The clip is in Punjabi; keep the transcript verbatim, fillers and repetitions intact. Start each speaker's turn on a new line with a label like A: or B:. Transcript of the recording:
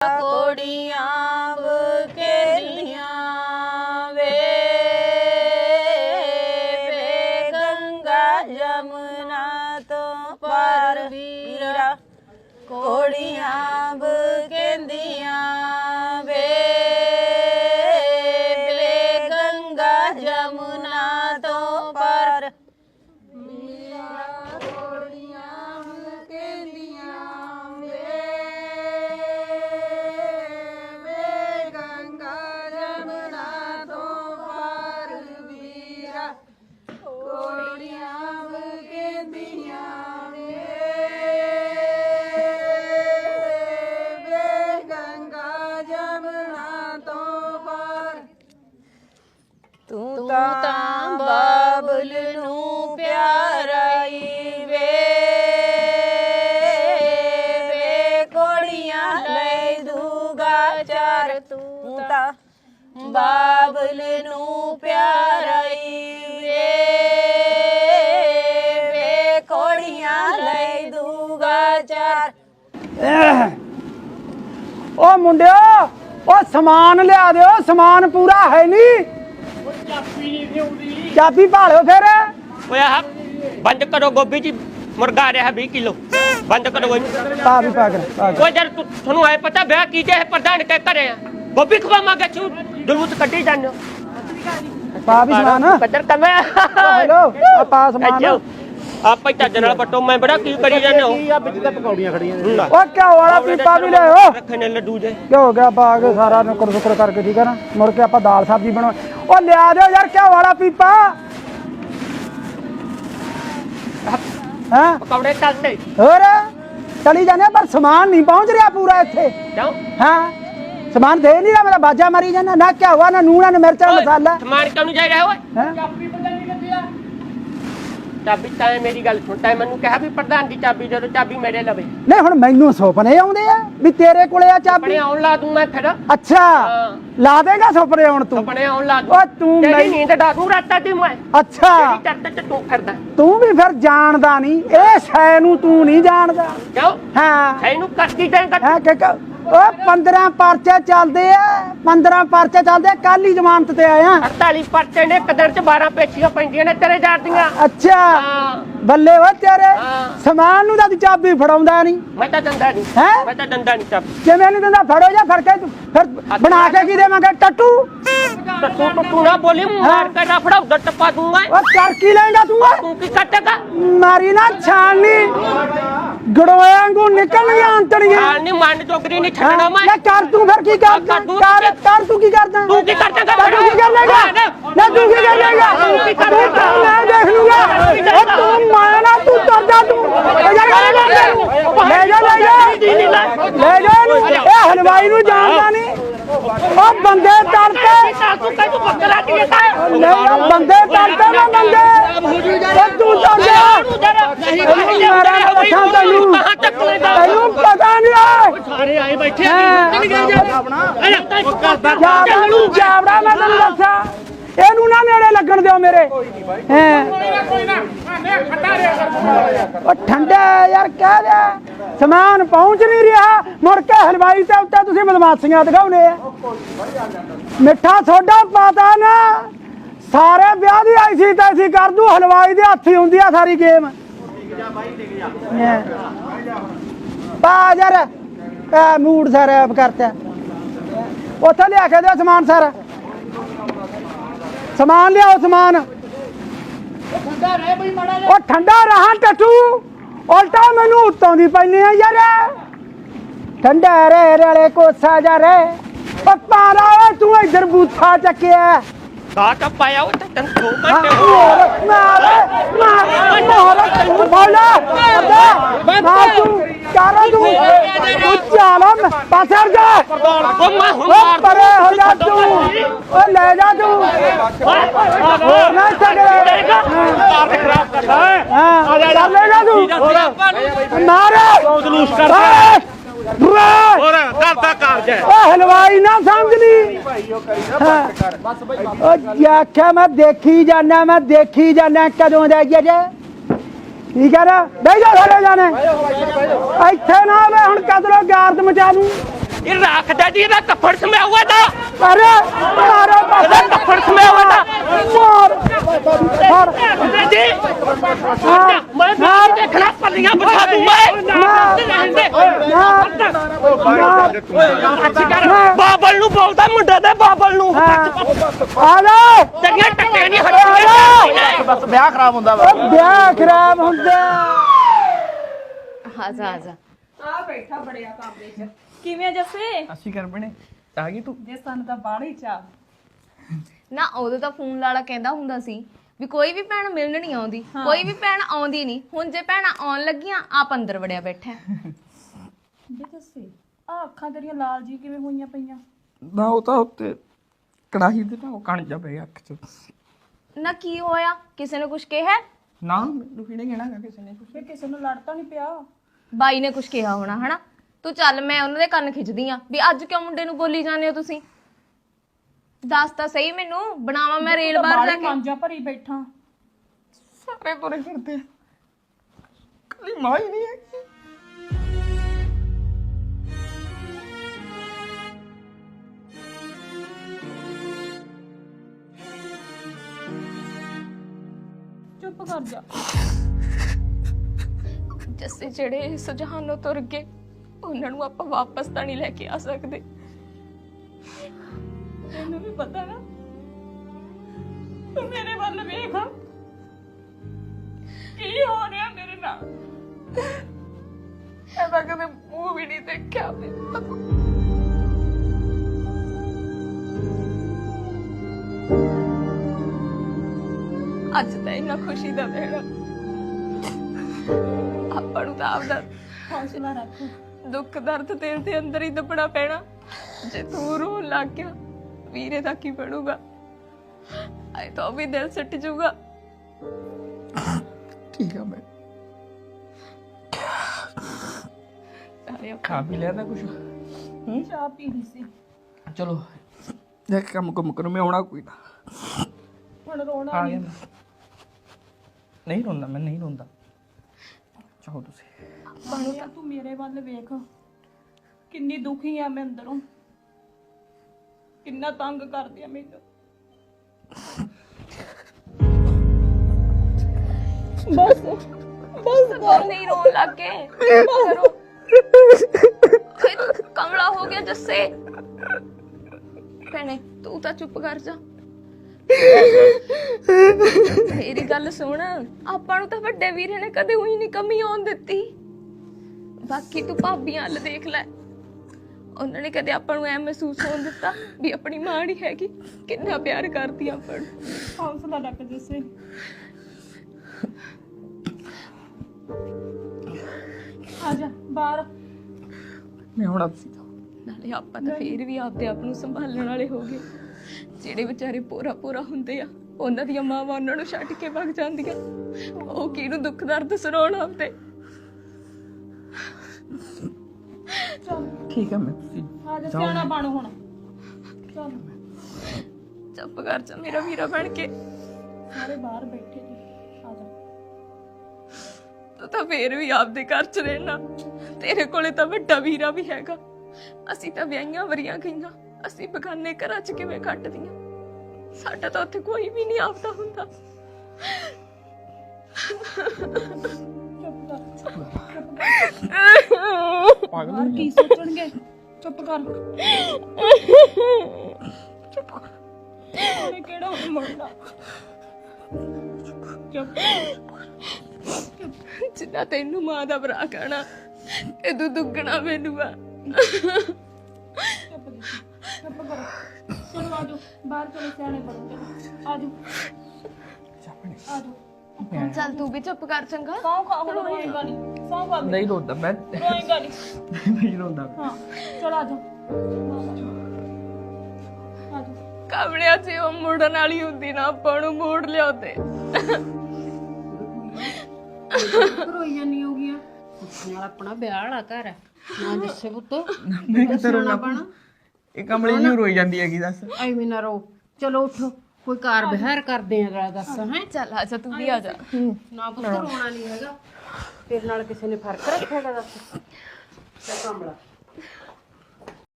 A: ਕੋੜੀਆਂ ਬਕੇਲੀਆਂ ਵੇ ਵੇ ਗੰਗਾ ਜਮਨਾ ਤੋਂ ਪਾਰ ਵੀਰਾ ਕੋੜੀਆਂ ਬਕੇਂਦੀਆਂ ਵੇ ਵੇ ਗੰਗਾ ਜਮਨਾ ਤੋਂ ਪਾਰ ਤੂੰ ਤਾਂ ਬਾਬਲ ਨੂੰ ਪਿਆਰਾਈ ਵੇ ਵੇ ਕੋੜੀਆਂ ਲੈ ਦੂਗਾ ਚਾਰ ਤੂੰ ਤਾਂ ਬਾਬਲ ਨੂੰ ਪਿਆਰਾਈ ਵੇ ਵੇ ਕੋੜੀਆਂ ਲੈ ਦੂਗਾ ਚਾਰ।
B: ਓ ਮੁੰਡਿਓ ਓ ਸਮਾਨ ਲਿਆ ਦਿਓ, ਸਮਾਨ ਪੂਰਾ ਹੈ ਨਹੀਂ। ਚਾਬੀ ਭਾਲੋ ਫਿਰ।
C: ਓਏ ਆਹ ਬੰਦ ਕਰੋ ਗੋਭੀ ਜੀ, ਮੁਰਗਾ ਆ ਰਿਹਾ ਵੀਹ ਕਿਲੋ ਬੰਦ ਕਰੋ।
B: ਪਾ ਵੀ ਪਾ ਕਰ।
C: ਓਏ ਜਦ ਤੁਹਾਨੂੰ ਐ ਪਤਾ ਵਿਆਹ ਕੀਤੇ ਹੈ ਪ੍ਰਧਾਨ ਕਹਿ ਘਰੇ ਆ ਗੋਭੀ ਖਵਾਵਾਂਗੇ ਛੂ ਜਲੂਸ ਕੱਢੀ ਜਾਂਦੇ
B: ਪਾ ਵੀ ਸਮਾਨ
C: ਬੱਦਰ ਕਮੇ।
B: ਹੈਲੋ ਆ ਪਾ ਸਮਾਨ।
C: ਆਪਾਂ ਹੀ ਚੱਜ ਨਾਲ ਪੱਟੋ, ਮੈਂ ਬੜਾ ਕੀ ਕਰੀ ਜਾਂਦੇ ਹੋ।
D: ਆ ਵਿੱਚ ਤਾਂ ਪਕੌੜੀਆਂ ਖੜੀਆਂ ਨੇ।
B: ਓ ਘਿਓ ਵਾਲਾ ਪੀਪਾ ਵੀ ਲਿਆਓ।
C: ਰੱਖੇ ਨੇ ਲੱਡੂ ਜੇ
B: ਘਿਓ ਗਿਆ ਪਾ ਕੇ ਸਾਰਾ ਨੁਕਰ ਸੁਕਰ ਕਰਕੇ, ਠੀਕ ਹੈ ਨਾ। ਮੁੜ ਕੇ ਆਪਾਂ ਦਾਲ ਸਬਜ਼ੀ ਬਣਾ। ਓ ਲਿਆ ਦਿਓ ਯਾਰ ਘਿਓ ਵਾਲਾ ਪੀਪਾ। ਹਾਂ
C: ਪਕੌੜੇ ਚੱਲਦੇ
B: ਹੋਰ ਚਲੀ ਜਾਂਦੇ ਪਰ ਸਮਾਨ ਨਹੀਂ ਪਹੁੰਚ ਰਿਹਾ ਪੂਰਾ ਇੱਥੇ।
C: ਕਿਉਂ?
B: ਹਾਂ ਸਮਾਨ ਦੇ ਨਹੀਂ ਰਿਹਾ, ਮੇਰਾ ਬਾਜਾ ਮਾਰੀ ਜਾਂਦਾ ਨਾ। ਘਿਓ ਵਾ ਨਾ ਨੂਣਾ ਨਾ ਮਿਰਚ ਨਾ ਮਸਾਲਾ।
C: ਸਮਾਨ ਕਿਉਂ ਨਹੀਂ ਜਾ ਰਿਹਾ ਓਏ?
B: ਹੈਂ?
C: ਚਾਬੀ ਤਾਂ ਮੇਰੀ ਗੱਲ ਸੁਣ, ਤੈਂ ਮੈਨੂੰ ਕਿਹਾ ਵੀ ਪ੍ਰਧਾਨ ਦੀ ਚਾਬੀ ਦੇ ਦੋ, ਚਾਬੀ ਮੇਰੇ ਲਵੇ।
B: ਨਹੀਂ ਹੁਣ ਮੈਨੂੰ ਸੁਪਨੇ ਆਉਂਦੇ ਆ ਵੀ ਤੇਰੇ ਕੋਲੇ ਆ ਚਾਬੀ।
C: ਆਪਣੇ ਆਉਣ ਲਾ ਦੂੰ ਮੈਂ ਫਿਰ।
B: ਅੱਛਾ ਲਾ ਦੇਗਾ ਸੁਪਨੇ ਆਉਣ ਤੂੰ।
C: ਆਪਣੇ ਆਉਣ ਲਾ ਦੂੰ।
B: ਓ ਤੂੰ
C: ਤੇਰੀ
B: ਮੈਂ-
C: ਨੀਂਦ ਡਾਕੂ ਰਾਤਾਂ ਦੀ ਮੈਂ
B: ਅੱਛਾ
C: ਜਿਹੜੀ ਚਰਤ ਚ ਤੂੰ ਫਿਰਦਾ
B: ਤੂੰ ਵੀ ਫਿਰ ਜਾਣਦਾ ਨਹੀਂ ਇਹ ਸ਼ੈ ਨੂੰ, ਤੂੰ ਨਹੀਂ ਜਾਣਦਾ।
C: ਕਿਉਂ?
B: ਹਾਂ
C: ਇਹਨੂੰ ਕਰਦੀ ਦੇਂਗਾ
B: ਹੈ ਕਿ ਓ ਪੰਦਰਾਂ ਪਰਚੇ ਚੱਲਦੇ ਆ, ਪੰਦਰਾਂ ਪਰਚੇ ਚੱਲਦੇ ਆ। ਕੱਲ ਹੀ ਜ਼ਮਾਨਤ ਤੇ ਆਇਆ।
C: ਅੜਤਾਲੀ ਪਰਚੇ ਨੇ, ਇੱਕ ਦਿਨ ਚ ਬਾਰਾਂ ਪੇਚੀਆਂ ਪੈਂਦੀਆਂ ਨੇ ਤੇਰੇ ਜਾਰ ਦੀਆਂ।
B: ਅੱਛਾ
C: ਹਾਂ
B: ਬੱਲੇ ਵਾ ਤੇਰੇ।
C: ਹਾਂ।
B: ਸਮਾਨ ਨੂੰ ਤਾਂ ਤੂੰ ਚਾਬੀ ਫੜਾਉਂਦਾ ਨਹੀਂ।
C: ਮੈਂ ਤਾਂ ਦੰਦਾ ਨਹੀਂ
B: ਹੈਂ?
C: ਮੈਂ ਤਾਂ ਦੰਦਾ ਨਹੀਂ ਚਾਬੀ।
B: ਕਿਵੇਂ ਨਹੀਂ ਦਿੰਦਾ? ਫੜੋ ਜਾਂ ਫੜ ਕੇ ਤੂੰ ਫਿਰ ਬਣਾ ਕੇ ਕੀ ਦੇਵਾਂਗੇ? ਟੱਟੂ
C: ਤਾਂ ਤੂੰ ਤੂੰ ਤੂੰ ਨਾ ਬੋਲੀ, ਮਾਰ ਕੇ ਰਫੜਾ ਉਧਰ ਟੱਪਾ ਦੂੰਗਾ।
B: ਓ ਕਰ ਕੀ ਲੈਂਗਾ ਤੂੰ ਓਏ?
C: ਤੂੰ ਕੀ ਕੱਟੇਗਾ?
B: ਮਾਰੀ ਨਾ ਛਾਣਨੀ ਗੜੋਆਂ ਵਾਂਗੂ ਨਿਕਲਣੀਆਂ ਅੰਤੜੀਆਂ।
C: ਹਾਂ ਨਹੀਂ ਮੰਨ ਜੋਗਰੀ ਨਹੀਂ ਛੱਡਣਾ ਮੈਂ।
B: ਲੈ ਕਰ ਤੂੰ ਫਿਰ ਕੀ ਕਰਦਾ? ਕਰ ਕਰ ਤੂੰ ਕੀ ਕਰਦਾ?
C: ਤੂੰ ਕੀ ਕਰਦਾ?
B: ਤੂੰ ਕੀ ਕਰ ਲੇਗਾ? ਨਾ ਤੂੰ ਕੀ ਕਰ ਲੇਗਾ?
C: ਤੂੰ ਕੀ ਕਰ ਲੇਗਾ?
B: ਮੈਂ ਦੇਖ ਲੂੰਗਾ। ਓ ਤੂੰ ਮਾਨਾ ਤੂੰ ਤੁਰ ਜਾ ਤੂੰ। ਲੈ ਜਾ ਲੈ ਜਾ ਲੈ ਜਾ ਲੈ ਜਾ ਇਹਨੂੰ। ਇਹ ਹਲਵਾਈ ਨੂੰ ਜਾਣਦਾ ਨਹੀਂ। ਓ ਬੰਦੇ ਤੜਕੇ
C: ਤੂੰ ਕਹਿ ਤੂੰ ਬੱਕਰਾ ਕੀ ਹੈ?
B: ਨਹੀਂ ਬੰਦੇ ਤੜਕੇ ਨਾ ਬੰਦੇ। ਓ ਤੂੰ ਤੁਰ ਜਾ।
C: ਕਹਾਂ ਤੱਕ ਲੈ ਜਾ?
B: ਤੈਨੂੰ ਪਤਾ ਨਹੀਂ ਹੈ।
D: ਸਾਰੇ ਆਏ ਬੈਠੇ
B: ਜਾਵੜਾ ਜਾਵੜਾ ਮੈਂ ਤੈਨੂੰ ਦੱਸਾਂ ਇਹਨੂੰ ਨਾ ਨੇੜੇ ਲੱਗਣ ਦਿਓ ਮੇਰੇ। ਹੈ ਉਹ ਠੰਡਾ ਯਾਰ ਕਹਿ ਦਿਆ ਸਮਾਨ ਪਹੁੰਚ ਨਹੀਂ ਰਿਹਾ। ਮੁੜ ਕੇ ਹਲਵਾਈ ਤੇ ਉੱਤੇ ਤੁਸੀਂ ਬਦਮਾਸ਼ੀਆਂ ਦਿਖਾਉਣੇ ਆ। ਮਿੱਠਾ ਸੋਡਾ ਪਾਤਾ ਨਾ, ਸਾਰੇ ਵਿਆਹ ਦੀ ਆਈ ਸੀ ਤਾਂ ਅਸੀਂ ਕਰ ਦੂ। ਹਲਵਾਈ ਦੇ ਹੱਥ ਹੀ ਹੁੰਦੀ ਆ ਸਾਰੀ ਗੇਮ। ਪਾ ਯਾਰ ਮੂਡ ਸਾਰਾ ਕਰਤਾ। ਉੱਥੇ ਲਿਆ ਕੇ ਦਿਓ ਸਮਾਨ ਸਾਰਾ। ਸਮਾਨ ਲਿਆਓ ਸਮਾਨ। ਉਹ ਠੰਡਾ ਰਹਾ ਟੱਟੂ, ਉਲਟਾ ਮੈਨੂੰ ਉੱਤੋਂ ਦੀ ਪੈਨੇ ਆ ਯਾਰ। ਠੰਡਾ ਰੇ ਰਲੇ ਕੋਸਾ ਜਾ ਰੇ ਪੱਪਾ ਰਾ ਤੂੰ ਇੱਧਰ ਬੂਥਾ ਚੱਕਿਆ।
C: ਕਾ ਟੱਪ ਪਾਇਆ ਉਹ ਤਾਂ ਦੋ ਘੰਟੇ ਹੋ
B: ਮਾਰ ਮਾਰ ਮਾਰ ਮਾਰ ਬੋਲਾ ਮਾਰ ਤੂੰ ਕਾਰਾ ਤੂੰ ਤੂੰ ਚਾਲਮ ਪਾਸਰ ਜਾ।
C: ਉਹ ਮੈਂ ਹੁਣ
B: ਉਹ
C: ਮਾਰ
B: ਪਰੇ ਹੋ ਜਾ ਤੂੰ। ਉਹ ਲੈ ਜਾ ਤੂੰ ਹੋਰ ਨਾ ਸਕਦਾ। ਹਾਂ ਚੱਲੇਗਾ ਤੂੰ ਮਾਰ
D: ਜਲੂਸ ਕਰ
C: ਹੋਰ ਘਰ ਦਾ ਕਾਰਜ ਹੈ।
B: ਉਹ ਹਲਵਾਈ ਨਾ ਸਮਝ ਲਈ। ਉਹ ਆਖਿਆ ਮੈਂ ਦੇਖੀ ਜਾਣਾ, ਮੈਂ ਦੇਖੀ ਜਾਣਾ ਕਦੋਂ ਦਾ ਜੇ ਠੀਕ ਹੈ ਨਾ। ਬਹਿ ਜਾ ਸਾਰੇ ਜਾਣੇ ਇੱਥੇ ਨਾ ਆਵੇ ਹੁਣ ਕਦਰੋਂ ਗਾਰਦ ਮਚਾ ਦੂੰ।
C: ਇਹ ਰੱਖਦਾ ਜੀ ਇਹਦਾ ਕੱਫੜ ਸਮਿਆ ਹੋਇਆ ਤਾਂ
B: ਅਰੇ ਮਾਰੇ
C: ਇਹਦਾ ਕੱਫੜ ਸਮਿਆ ਹੋਇਆ ਤਾਂ
B: ਮਾਰ ਮਾਰ
C: ਜੀ ਮੈਂ ਤਾਂ ਦੇਖਣਾ ਪੱਲੀਆਂ ਬਿਠਾ ਦੂੰ ਮੈਂ ਬਾਬਲ ਨੂੰ ਬੋਲਦਾ ਮੁੰਡੇ ਦੇ ਬਾਬਲ ਨੂੰ
B: ਆ ਜਾ
C: ਤੇਰੀਆਂ ਟੱਟੀਆਂ ਨਹੀਂ ਹਟੀਆਂ
D: ਬਸ ਵਿਆਹ ਖਰਾਬ ਹੁੰਦਾ ਵਾ
B: ਵਿਆਹ ਖਰਾਬ ਹੁੰਦਾ
A: ਆਜਾ ਆਜਾ
E: ਆ ਬੈਠਾ ਬੜਿਆ ਕਾਮਰੇ 'ਚ ਕਿਵੇਂ ਜੱਸੇ
D: ਅਸੀਂ ਕਰ ਬਣੇ ਆ ਗਈ ਤੂੰ
E: ਜੇ ਸਾਨੂੰ ਤਾਂ ਬਾਹਲੀ ਚਾਹ
A: ਨਾ ਉਦੋਂ ਤਾਂ ਫੋਨ ਲਾਲਾ ਕਹਿੰਦਾ ਹੁੰਦਾ ਸੀ ਵੀ ਕੋਈ ਵੀ ਭੈਣ ਮਿਲਣ ਨਹੀਂ ਆਉਂਦੀ ਕੋਈ ਵੀ ਭੈਣ ਆਉਂਦੀ ਨਹੀਂ ਹੁਣ ਜੇ ਭੈਣਾਂ ਆਉਣ ਲੱਗੀਆਂ ਆਪ ਅੰਦਰ ਵੜਿਆ ਬੈਠਾ
E: ਬੇ ਜੱਸੇ ਆ ਅੱਖਾਂ ਤੇਰੀਆਂ ਲਾਲ ਜੀ ਕਿਵੇਂ ਹੋਈਆਂ ਪਈਆਂ
D: ਨਾ ਉਹ ਤਾਂ ਉੱਤੇ ਕੜਾਹੀ ਦੇ ਨਾ ਉਹ ਕਣ ਜਾ ਪਿਆ ਅੱਖ ਚ
A: ਨਾ ਕੀ ਹੋਇਆ ਕਿਸੇ ਨੇ ਕੁਝ ਕਿਹਾ
D: ਨਾ ਮੈਨੂੰ ਕਿਹਨੇ ਕਹਿਣਾ ਗਾ ਕਿਸੇ ਨੇ ਕੁਛ
E: ਬੇ ਕਿਸੇ ਨੂੰ ਲੜ ਤਾਂ ਨਹੀਂ ਪਿਆ
A: ਬਾਈ ਨੇ ਕੁਝ ਕਿਹਾ ਹੋਣਾ ਹਨਾ ਤੂੰ ਚੱਲ ਮੈਂ ਉਹਨਾਂ ਦੇ ਕੰਨ ਖਿੱਚਦੀ ਆ ਵੀ ਅੱਜ ਕਿਉਂ ਮੁੰਡੇ ਨੂੰ ਬੋਲੀ ਜਾਂਦੇ ਹੋ ਤੁਸੀਂ ਦੱਸ ਤਾਂ ਸਹੀ ਮੈਨੂੰ ਬਣਾਵਾਂ ਮੈਂ ਰੇਲ ਬਾਹਰ ਜਾ ਕੇ
E: ਮਾਂਜਾ ਭਰੀ ਬੈਠਾ
D: ਸਾਰੇ ਤੁਰੇ ਫਿਰਦੇ ਕੱਲੀ ਮਾਂ ਹੀ ਨਹੀਂ ਹੈਗੀ
E: ਚੁੱਪ ਕਰ ਜਾ
A: ਜੱਸੇ ਜਿਹੜੇ ਇਸ ਜਹਾਨੋਂ ਤੁਰ ਗਏ ਉਹਨਾਂ ਨੂੰ ਆਪਾਂ ਵਾਪਸ ਤਾਂ ਨਹੀਂ ਲੈ ਕੇ ਆ ਸਕਦੇ
E: ਤੈਨੂੰ ਵੀ ਪਤਾ ਨਾ ਤੂੰ ਮੇਰੇ ਵੱਲ ਵੇਖ ਕੀ ਹੋ ਰਿਹਾ ਮੇਰੇ ਨਾਲ
A: ਐਵੇਂ ਕਦੇ ਮੂੰਹ ਵੀ ਨਹੀਂ ਦੇਖਿਆ ਮੈਂ ਅੱਜ ਤਾਂ ਇੰਨਾ ਖੁਸ਼ੀ ਦਾ ਦਿਨ ਆਪਾਂ ਨੂੰ ਤਾਂ ਆਪਦਾ
E: ਹੌਸਲਾ ਰੱਖ
A: ਦੁੱਖ ਦਰਦ ਤੇਰੇ ਦੇ ਅੰਦਰ ਹੀ ਦੱਬਣਾ ਪੈਣਾ ਜੇ ਤੂੰ ਰੋਣ ਲੱਗ ਗਿਆ ਵੀਰੇ ਦਾ ਕੀ ਬਣੂਗਾ ਆਏ ਤਾਂ ਉਹ ਵੀ ਦਿਲ ਸੱਟ ਜਾਊਗਾ
D: ਠੀਕ ਆ ਮੈਂ
A: ਸਾਰੇ
D: ਖਾ ਵੀ ਲਿਆ ਤਾਂ ਕੁਛ
E: ਚਾਹ ਪੀ ਲਈ ਸੀ
D: ਚਲੋ ਜਾ ਕੇ ਕੰਮ ਕੁਮ ਕਰੋ ਮੈਂ ਆਉਣਾ ਕੋਈ ਨਾ
E: ਹੁਣ ਰੋਣਾ
D: ਆ
E: ਨਹੀਂ
D: ਗਿਆ ਮੈਂ ਨਹੀਂ ਰੋਂਦਾ ਮੈਂ ਨਹੀਂ ਰੋਂਦਾ ਚਾਹੋ ਤੁਸੀਂ
E: ਬਣਿਆ ਤੂੰ ਮੇਰੇ ਵੱਲ ਵੇਖ ਕਿੰਨੀ ਦੁਖੀ ਆ ਮੈਂ ਅੰਦਰੋਂ ਕਿੰਨਾ ਤੰਗ ਕਰਦੀ ਆ ਮੈਨੂੰ ਬਸ ਬਸ
A: ਹੋਰ ਨਹੀਂ ਰੋਣ ਲੱਗ ਗਏ ਕਰੋ ਕਮਲਾ ਹੋ ਗਿਆ ਜੱਸੇ ਭੈਣੇ ਤੂੰ ਤਾਂ ਚੁੱਪ ਕਰ ਜਾ ਮੇਰੀ ਗੱਲ ਸੁਣ ਆਪਾਂ ਨੂੰ ਤਾਂ ਵੱਡੇ ਵੀਰੇ ਨੇ ਕਦੇ ਉਹੀ ਨਹੀਂ ਕਮੀ ਆਉਣ ਦਿੱਤੀ ਬਾਕੀ ਤੂੰ ਭਾਬੀਆਂ ਵੱਲ ਦੇਖ ਲੈ ਉਹਨਾਂ ਨੇ ਕਦੇ ਆਪਾਂ ਨੂੰ ਐ ਮਹਿਸੂਸ ਹੋਣ ਦਿੱਤਾ ਵੀ ਆਪਣੀ ਮਾਂ ਨਹੀਂ ਹੈਗੀ ਕਿੰਨਾ ਪਿਆਰ ਕਰਦੀ ਆਪਾਂ ਨੂੰ
E: ਹੌਸਲਾ ਰੱਖ ਜੱਸੇ ਆ ਜਾ ਬਾਹਰ
D: ਮੈਂ ਆਉਣਾ ਸੀ
A: ਨਾਲੇ ਆਪਾਂ ਤਾਂ ਫੇਰ ਵੀ ਆਪਦੇ ਆਪ ਨੂੰ ਸੰਭਾਲਣ ਵਾਲੇ ਹੋ ਗਏ ਜਿਹੜੇ ਵਿਚਾਰੇ ਪੂਰਾ ਪੂਰਾ ਹੁੰਦੇ ਆ ਉਹਨਾਂ ਦੀਆਂ ਮਾਵਾਂ ਉਹਨਾਂ ਨੂੰ ਛੱਡ ਕੇ ਭੱਜ ਜਾਂਦੀਆਂ ਉਹ ਕਿਹਨੂੰ ਦੁੱਖ ਦਰਦ ਸੁਣਾਉਣ ਆਉਂਦੇ
E: ਚੱਲ
D: ਠੀਕ ਆ ਮੈਂ ਤੁਸੀਂ
E: ਆ ਜਾ ਸਿਆਣਾ ਬਣ ਹੁਣ ਚੱਲ
A: ਚੁੱਪ ਕਰ ਜਾ ਮੇਰਾ ਵੀਰਾ ਬਣ ਕੇ
E: ਸਾਰੇ ਬਾਹਰ ਬੈਠੇ ਨੇ ਆ ਜਾ
A: ਤੂੰ ਤਾਂ ਫੇਰ ਵੀ ਆਪਦੇ ਘਰ ਚ ਰਹਿਣਾ ਤੇਰੇ ਕੋਲੇ ਤਾਂ ਵੱਡਾ ਵੀਰਾ ਵੀ ਹੈਗਾ ਅਸੀਂ ਤਾਂ ਵਿਆਹੀਆਂ ਵਰੀਆਂ ਗਈਆਂ ਅਸੀਂ ਬਗਾਨੇ ਘਰਾਂ ਚ ਕਿਵੇਂ ਕੱਟਦੀਆਂ ਸਾਡਾ ਤਾਂ ਉੱਥੇ ਕੋਈ ਵੀ ਨਹੀਂ ਆਪਦਾ ਹੁੰਦਾ
D: ਪਾਗਲ
E: ਬਾਹਰ ਕੀ ਸੋਚਣਗੇ ਚੁੱਪ ਕਰ ਚੁੱਪ ਕਰ ਉਹਨੇ ਕਿਹੜਾ ਮੁੰਡਾ ਚੁੱਪ
A: ਜਿੰਨਾ ਤੈਨੂੰ ਮਾਂ ਦਾ ਭਰਾ ਕਹਿਣਾ ਇਹ ਤੂੰ ਦੁੱਗਣਾ ਮੈਨੂੰ ਆ
E: ਚੁੱਪ ਜੀ ਚੁੱਪ ਕਰੋ ਚਲੋ ਆਜੋ ਬਾਹਰ ਚਲੇ ਸਿਆਣੇ ਬਣੋ ਚਲੋ ਆਜੋ ਆਜੋ
A: ਚੱਲ ਤੂੰ ਵੀ ਚੁੱਪ ਕਰ ਚੰਗਾ
E: ਸੌਂ ਖਾ ਹੁਣ ਰੋਏਗਾ ਨਹੀਂ ਸੌਂ ਖਾ
D: ਨਹੀਂ ਰੋਂਦਾ ਮੈਂ
E: ਰੋਏਗਾ ਨਹੀਂ
D: ਨਹੀਂ ਰੋਂਦਾ
E: ਹਾਂ ਚਲ ਆਜੋ ਆਜੋ
A: ਕਮਲਿਆ ਸੀ ਉਹ ਮੁੜਨ ਵਾਲੀ ਹੁੰਦੀ ਨਾ ਆਪਾਂ ਨੂੰ ਮੋੜ ਲਿਆਉਂਦੇ
F: ਰੋਈ ਜਾਨੀ ਹੋ ਗਿਆ ਨਾਲ ਆਪਣਾ ਵਿਆਹ ਵਾਲਾ ਘਰ ਹੈ ਨਾ ਜਿੱਸੇ ਪੁੱਤ
D: ਮੈਂ ਕਿੱਥੇ ਰੋਣਾ ਇਹ ਕਮਲੀ ਨੂੰ ਰੋਈ ਜਾਂਦੀ ਹੈਗੀ ਦੱਸ
F: ਐਵੇਂ ਨਾ ਰੋ ਚਲੋ ਉੱਠੋ ਕੋਈ ਕਾਰ ਬਿਹਾਰ ਕਰਦੇ ਆ ਦੱਸ ਹੈ
A: ਚੱਲ ਆ ਜਾ ਤੂੰ ਵੀ ਆ ਜਾ
F: ਨਾ ਪੁੱਤ ਰੋਣਾ ਨਹੀਂ ਹੈਗਾ ਤੇਰੇ ਨਾਲ ਕਿਸੇ ਨੇ ਫਰਕ ਰੱਖਿਆਗਾ ਦੱਸ ਤੇ ਕਮਲਾ